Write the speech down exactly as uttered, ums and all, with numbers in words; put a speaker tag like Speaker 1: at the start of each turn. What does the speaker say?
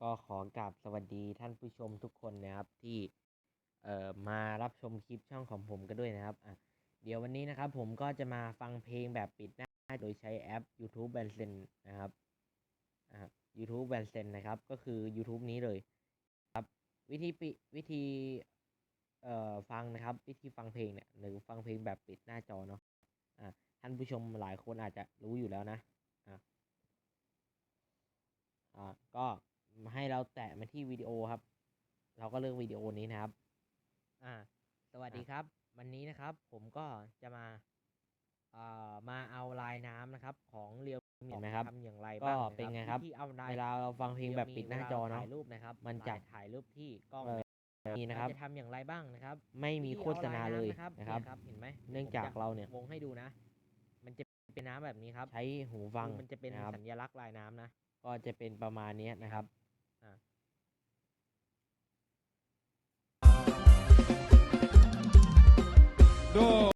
Speaker 1: ก็ขอกราบสวัสดีท่านผู้ชมทุกคนนะครับที่เอ่อมารับชมคลิปช่องของผมกันด้วยนะครับอ่ะเดี๋ยววันนี้นะครับผมก็จะมาฟังเพลงแบบปิดหน้าโดยใช้แอป YouTube Bandsen นะครับอ่ะ YouTube Bandsen นะครับก็คือ YouTube นี้เลยครับวิธีปิวิธีเอ่อฟังนะครับวิธีฟังเพลงเนี่ยหรือฟังเพลงแบบปิดหน้าจอเนาะอ่ะท่านผู้ชมหลายคนอาจจะรู้อยู่แล้วนะอ่ะอ่ะก็ให้เราแตะมาที่วิดีโอครับ เราก็เลือกวิดีโอนี้นะครับอ่าสวัสดีครับวันนี้นะครับผมก็จะมาเอ่อมาเอาลายน้ำนะครับของเรียวมีเห็นไหมครับทำอย่างไรบ้างก็เป็นไงครับเวลาเราฟังเพลงแบบปิดหน้าจอเนาะถ่ายรูปนะครับมันจะถ่ายรูปที่กล้องนี่นะครับจะทำอย่างไรบ้างนะครับไม่มีโฆษณาเลยนะครับเห็นไหมเนื่องจากเราเนี่ยวงให้ดูนะมันจะเป็นน้ำแบบนี้ครับใช้หูฟังมันจะเป็นสัญลักษณ์ลายน้ำนะก็จะเป็นประมาณนี้นะครับอ่า
Speaker 2: dos